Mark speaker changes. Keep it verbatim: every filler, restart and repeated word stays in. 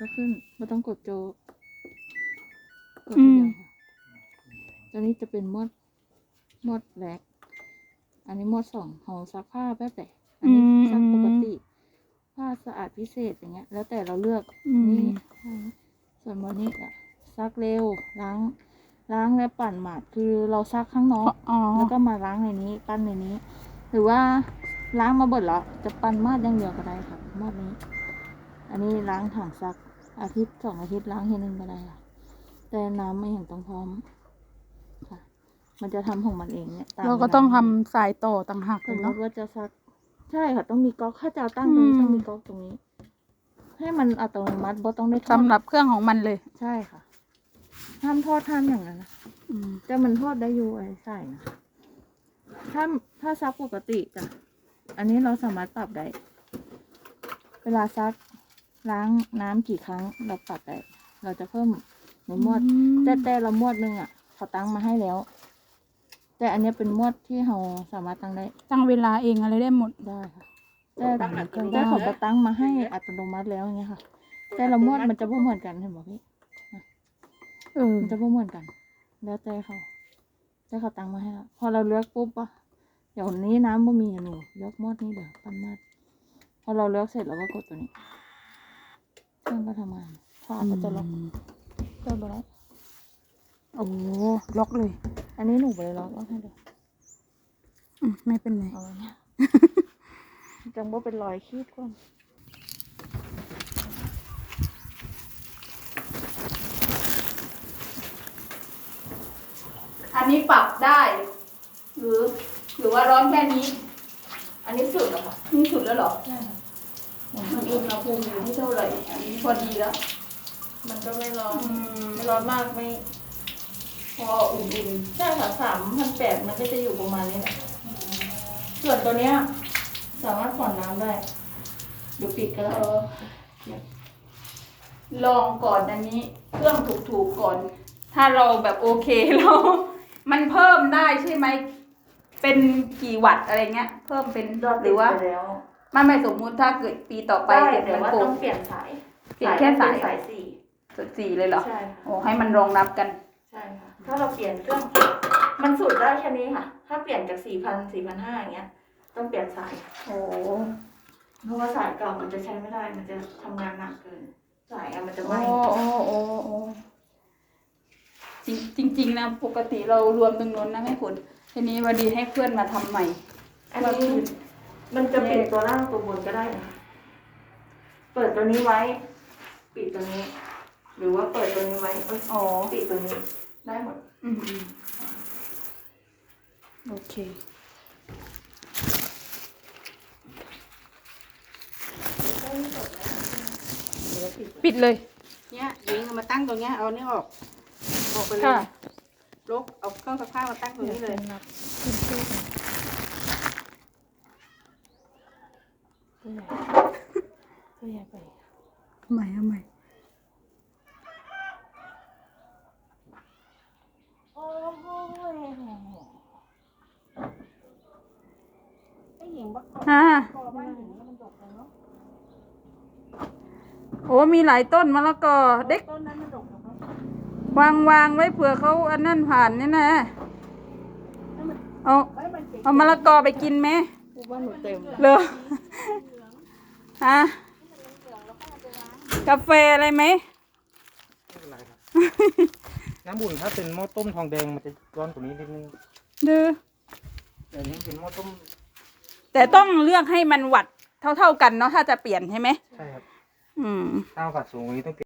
Speaker 1: ก็ขึ้นไม่ต้องกดโจกดทีเดียวค่ะตัวนี้จะเป็นมดมดแรกอันนี้มดสองของซักผ้าแบบแต่อันนี้ซักปกติผ้าสะอาดพิเศษอย่างเงี้ยแล้วแต่เราเลือกนี่ส่วนวันนี้อะซักเร็วล้างล้างและปั่นหมาดคือเราซักข้างนอกแล้วก็มาล้างในนี้ปั้นในนี้หรือว่าล้างมาเบิดแล้วจะปั่นมาดอย่างเดียวก็ได้ค่ะมาดนี้อันนี้ล้างถังซักอาทิตย์สองอาทิตย์ล้างทีนึงก็ได้ค่ะแต่น้ำไม่เห็นต้องพร้อมค่ะมันจะทำของมันเองเนี่ยเราก็ต้องทำสายต่อต่างหากเลยเนาะว่าจะซักใช่ค่ะต้องมีก๊อกถ้าจะตั้งตรงนี้ต้องมีก๊อกตรงนี้ให้มันอัตโนมัติบ่ต้องได้สำหรับเครื่องของมันเลยใช่ค่ะห้ามทอดห้ามอย่างนั้นนะแต่มันทอดได้อยู่ไอ้ใส่นะถ้าถ้าซักปกติจ้ะอันนี้เราสามารถปรับได้เวลาซักล้างน้ำกี่ครั้งเราปรับได้เราจะเพิ่มในมวดแต่แต่ละมวดหนึ่งอ่ะเขาตั้งมาให้แล้วแต่อันนี้เป็นมวดที่เราสามารถตั้งได้ตั้งเวลาเองอะไรได้หมดได้ค่ะแต่แต่เขาจะตั้งมาให้อัตโนมัติแล้วอย่างเงี้ยค่ะแต่ละมวดมันจะไม่เหมือนกันเห็นไหมพี่เออมันจะไม่เหมือนกันแล้วแต่เขาแต่เขาตั้งมาให้แล้วพอเราเลือกปุ๊บอ่ะเดี๋ยวนี้น้ำบ่มีหนูเลือกมวดนี้เดี๋ยวปั้นมวดพอเราเลือกเสร็จเราก็กดตัวนี้เครื่องก็ทำงานฝาก็จะล็อกเปิดไปแล้วโอ้ล็อกเลยอันนี้หนูไปล็อกล็อกให้เดี๋ยวไม่เป็นไรเอาเนี่ยจังว่าเป็นรอยขีดก่อนอันนี้ปรับได้หรือหรือว่าร้อนแค่นี้อันนี้สุดแล้วค่ะนี่สุดแล้วหรอใช่ค่ะมันอุณหภูมิอยู่ที่เท่าไหร่อันนี้พอดีแล้วมันก็ไม่ร้อนไม่ร้อนมากไม่พออุ่นๆใช่ค่ะสามพันแปดมันก็จะอยู่ประมาณนี้แหละส่วนตัวเนี้ยสามารถผ่อนน้ำได้เดี๋ยวปิดก็ได้ลองก่อนอันนี้เครื่องถูกๆก่อนถ้าเราแบบโอเคเรามันเพิ่มได้ใช่ไหมเป็นกี่วัตต์อะไรเงี้ยเพิ่มเป็นหรือว่าไม่ไม่สมมุติถ้าเกิดปีต่อไปเดี๋ยวว่าต้องเปลี่ยนสายเปลี่ยนแค่สายสายสี่สุดสี่เลยเหรอใช่โอ้ให้มันรองรับกันใช่ค่ะถ้าเราเปลี่ยนเครื่องมันสุดได้แค่นี้ค่ะถ้าเปลี่ยนจากสี่พันสี่พันห้าอย่างเงี้ยต้องเปลี่ยนสายโอ้เพราะว่าสายเก่ามันจะใช้ไม่ได้มันจะทำงานหนักเกินสายมันจะไหม้โอ้โอ้โอ้จริงจริงนะปกติเรารวมตรงนู้นนะให้คุณทีนี้พอดีให้เพื่อนมาทำใหม่อันนี้มันจะปิดตัวล่างตัวบนก็ได้นะเปิดตัวนี้ไว้ปิดตัวนี้หรือว่าเปิดตัวนี้ไว้อ๋อปิดตัวนี้ได้หมดอืมโอเคปิดเลย
Speaker 2: เนี่ยยิงเอามาตั้งตรงเนี้ยเอาเนี่ยออกออกไปเลยลบเอาเครื่องซักผ้ามาตั้งตรงนี้เลย
Speaker 1: ตัวใหญ่ตัวใหญ่ไป
Speaker 3: ทำไมทำไม
Speaker 1: โอ้โหไอ้หญิงบัก
Speaker 3: ฮะโอ้มีหลายต้นมะละกอเด็กวางวางไว้เผื่อเขาอันนั่นผ่านนี่นะเอาเอามะละกอไปกินไหม
Speaker 1: ว่าหนูเต็ม
Speaker 3: เลยฮะกาแฟอะไรไหม
Speaker 4: ไม่เป็นไรครับน้ำบุ่นถ้าเป็นหม้อต้มทองแดงมันจะร้อนกว่านี้นิดนึง
Speaker 3: ดื้อ
Speaker 4: แต่นี้เป็นหม้อต้ม
Speaker 3: แต่ต้องเลือกให้มันวัดเท่าๆกันเนาะถ้าจะเปลี่ยนใช่ไหม
Speaker 4: ใช่ครับ
Speaker 3: อืม
Speaker 4: ถ้าวัดสูงกว่านี้ต้อง